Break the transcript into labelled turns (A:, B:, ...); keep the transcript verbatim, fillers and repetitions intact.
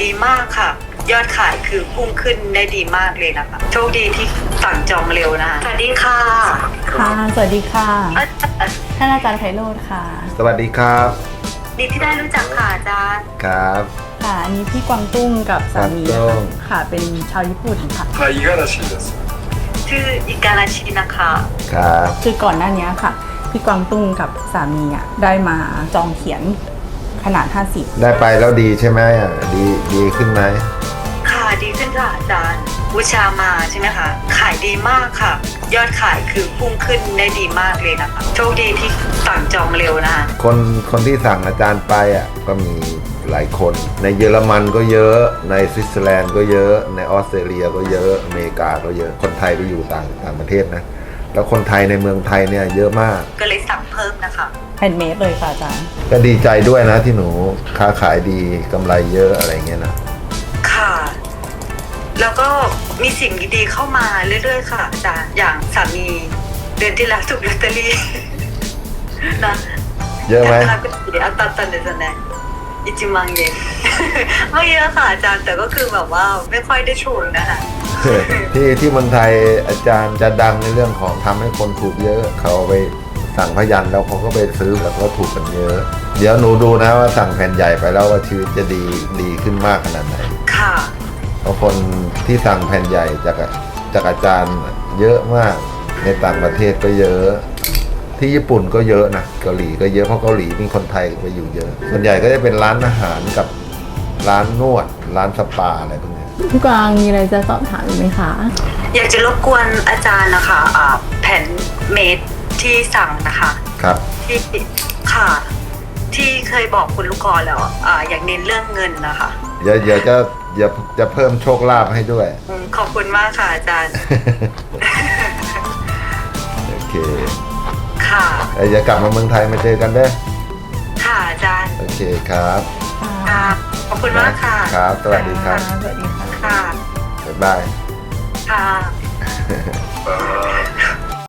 A: ดีมากค่ะ ยอดขายคือพุ่งขึ้นได้ดีมากเลยนะคะโชคดีที่สั่งจองเร็วนะคะสวัสดีค่ะ
B: ค่ะ สวัสดีค่ะ
A: เอ่อ
B: ท่านอาจารย์ไพโรจน์ค่ะ
C: สวัสดีครับ
A: ดีที่ได้รู้จักค่ะอาจารย์
C: ครับ
B: ค่ะ อันนี้พี่กวางตุ้งกับสามี
C: กวางตุ้
B: นะคะ
C: ง
B: ค่ะ เป็นชาวญี่ปุ่นค่ะ
D: はい、五十嵐です。
A: ชื่ออิการาชินะคะ
C: ครับ
B: คือก่อนหน้านี้ค่ะ พี่กวางตุ้งกับสามีอ่ะได้มาจองเขียนขนาดห้าสิบ
C: ได้ไปแล้วดีใช่ไหมอ่ะดีดีขึ้นไหม
A: ค่ะดีขึ้นค่ะอาจารย์บูชามาใช่ไหมคะขายดีมากค่ะ ยอดขายคือพุ่งขึ้นได้ดีมากเลยนะคะโชคดีที่สั่งจองเร็วนะคะ
C: คนคนที่สั่งอาจารย์ไปอ่ะก็มีหลายคน ในเยอรมันก็เยอะในสวิตเซอร์แลนด์ก็เยอะในออสเตรเลียก็เยอะอเมริกาก็เยอะคนไทยไปอยู่ต่างต่างประเทศนะแล้วคนไทยในเมืองไทยเนี่ยเยอะมาก
A: ก็เลยสั่งเพิ่มนะคะ
B: แฮนด์เมดเลยค่ะอาจารย์
C: ก็ดีใจด้วยนะที่หนูค้าขายดีกำไรเยอะอะไรเงี้ยนะ
A: ค่ะ แล้วก็มีสิ่งดีๆเข้ามาเรื่อยๆค่ะอาจารย์อย่างสามีเดือนที่แล้วถูกลอตเตอรี่ นะ
C: เยอะไหม
A: 高くて当たったんですよねいちまん円 ไม่เยอะค่ะอาจารย์แต่ก็คือแบบว่าไม่ค่อยได้ถูกนะคะ
C: ที่ที่เมืองไทยอาจารย์จะดังในเรื่องของทำให้คนถูกเยอะเขาไปสั่งพยัญชนะแล้วเขาก็ไปซื้อแล้วก็ถูกกันเยอะ เดี๋ยวหนูดูนะว่าสั่งแผ่นใหญ่ไปแล้วว่าชีวิตจะดีดีขึ้นมากขนาดไหน
A: ค่ะ
C: เพราะคนที่สั่งแผ่นใหญ่จากจากอาจารย์เยอะมากในต่างประเทศก็เยอะ ที่ญี่ปุ่นก็เยอะนะเกาหลีก็เยอะเพราะเกาหลีมีคนไทยไปอยู่เยอะ ส่วนใหญ่ก็จะเป็นร้านอาหารกับร้านนวด ร้านสปาอะไรพวกนี้
B: พี่กวางมีอะไรจะสอบถามอีกไหมคะ
A: อยากจะรบกวนอาจารย์นะคะอ่าแผ่นเมดที่สั่งนะคะ
C: ครับ
A: ที่ค่ะ ที่เคยบอกคุณลูกกรแล้วอ่าอยากเน้นเรื่องเงินนะคะ
C: เดี๋ยวเดี๋ยวจะเดี๋ยวจะเพิ่มโชคลาภให้ด้วย
A: อืมขอบคุณมากค่ะอาจารย์
C: โอเค
A: ค่ะ
C: เดี๋ยวจะกลับมาเมืองไทยมาเจอกันเด้อ
A: ค่ะอาจารย์
C: โอเคครับ
A: ค่ะ ขอบคุณมากค่ะ
C: ครับ สวัสดีครับ
B: สวัสดีค่ะ
A: ค่ะ
C: บ๊ายบาย
A: ค่ะ
D: あー